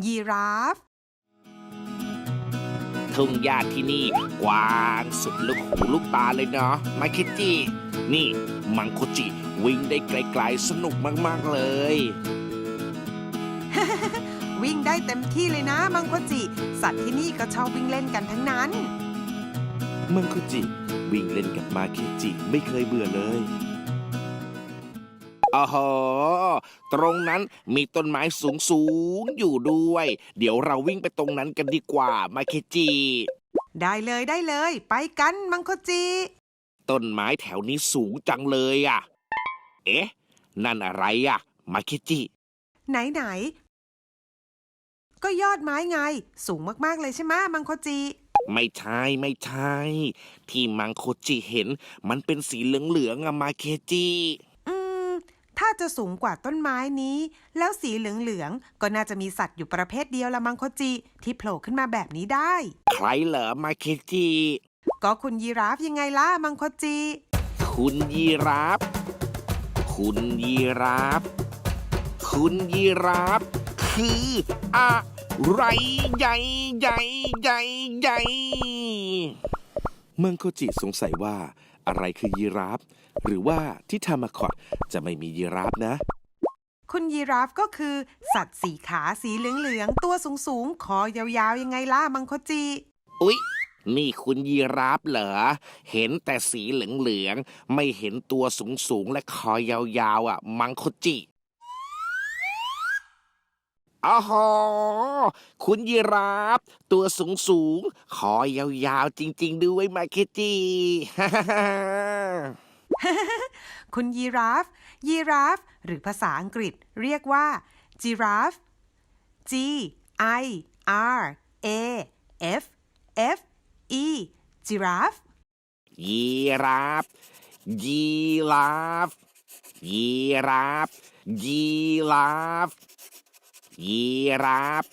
ยีราฟทุ่งหญ้าที่นี่กว้างสุดลูกหูลูกตาเลยเนาะมาคิจินี่มังโคจิวิ่งได้ไกลๆสนุกมากๆเลยวิ่งได้เต็มที่เลยนะมังโคจิสัตว์ที่นี่ก็ชอบวิ่งเล่นกันทั้งนั้นมังโคจิวิ่งเล่นกับมาคิจิไม่เคยเบื่อเลยอ๋อตรงนั้นมีต้นไม้สูงอยู่ด้วย เดี๋ยวเราวิ่งไปตรงนั้นกันดีกว่ามาเคจิได้เลยไปกันมังโคจิต้นไม้แถวนี้สูงจังเลยอ่ะเอ๊ะนั่นอะไรอ่ะมาเคจิไหนก็ยอดไม้ไงสูงมากๆเลยใช่ไหมมังโคจิไม่ใช่ที่มังโคจิเห็นมันเป็นสีเหลืองๆอะมาเคจิถ้าจะสูงกว่าต้นไม้นี้แล้วสีเหลืองๆก็น่าจะมีสัตว์อยู่ประเภทเดียวละมังโคจิที่โผล่ขึ้นมาแบบนี้ได้ใครเหรอมาเคจิก็คุณยีราฟยังไงล่ะมังโคจิคุณยีราฟคืออะไรใหญ่มังโคจิสงสัยว่าอะไรคือยีราฟหรือว่าที่ทามาคอตจะไม่มียีราฟนะคุณยีราฟก็คือสัตว์สี่ขาสีเหลืองๆตัวสูงคอยาวๆยังไงล่ะมังโคจิอุ๊ยนี่คุณยีราฟเหรอเห็นแต่สีเหลืองๆไม่เห็นตัวสูงและคอยาวๆอ่ะมังโคจิอ๋อคุณยีราฟตัวสูงคอยาวๆจริงๆด้วยมาเคจิคุณยีราฟหรือภาษาอังกฤษเรียกว่า giraffe Giraffe giraffe ยีราฟยีราฟ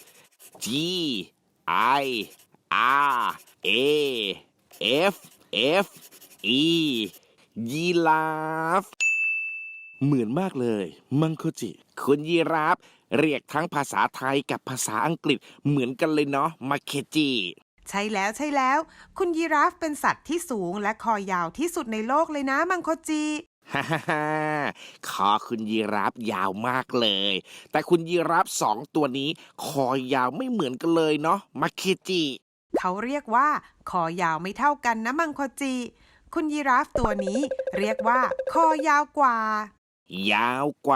GIRAFE ยีราฟเหมือนมากเลยมังโคจิคุณยีราฟเรียกทั้งภาษาไทยกับภาษาอังกฤษเหมือนกันเลยเนาะมาเคจิใช่แล้วคุณยีราฟเป็นสัตว์ที่สูงและคอยาวที่สุดในโลกเลยนะมังโคจิฮ่าคอคุณยีราฟยาวมากเลยแต่คุณยีราฟ2ตัวนี้คอยาวไม่เหมือนกันเลยเนาะมาเคจิเขาเรียกว่าคอยาวไม่เท่ากันนะมังโคจิคุณยีราฟตัวนี้เรียกว่าคอยาวกว่ายาวก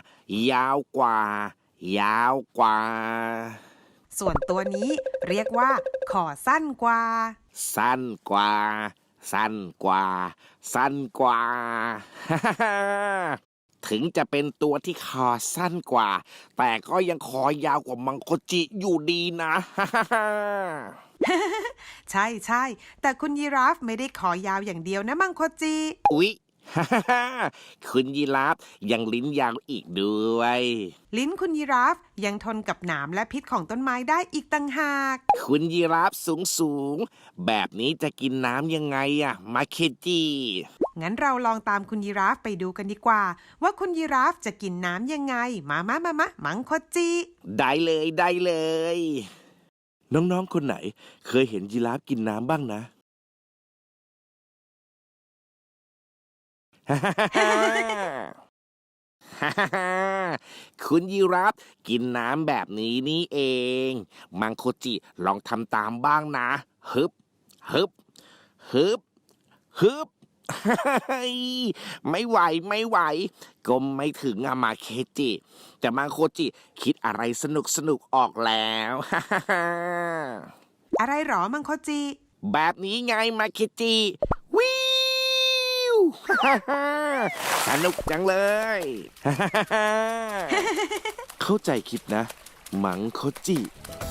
ว่าส่วนตัวนี้เรียกว่าคอสั้นกว่าสั้นกว่าถึงจะเป็นตัวที่คอสั้นกว่าแต่ก็ยังคอยาวกว่ามังโคจิอยู่ดีนะใช่แต่คุณยีราฟไม่ได้คอยาวอย่างเดียวนะมังโคจิอุ๊ยคุณยีราฟยังลิ้นยาวอีกด้วยลิ้นคุณยีราฟยังทนกับหนามและพิษของต้นไม้ได้อีกต่างหากคุณยีราฟสูงแบบนี้จะกินน้ำยังไงอะมาเคจิงั้นเราลองตามคุณยีราฟไปดูกันดีกว่าว่าคุณยีราฟจะกินน้ำยังไงมามังโคจิได้เลยน้องๆคนไหนเคยเห็นยีราฟกินน้ำบ้างนะคุณยีราฟกินน้ำแบบนี้นี่เองมังโคจิลองทำตามบ้างนะฮึบไม่ไหวก้มไม่ถึงอะมาเคจิแต่มังโคจิคิดอะไรสนุกออกแล้วอะไรหรอมังโคจิแบบนี้ไงมาเคจิวิวสนุกจังเลยเข้าใจคิดนะมังโคจิ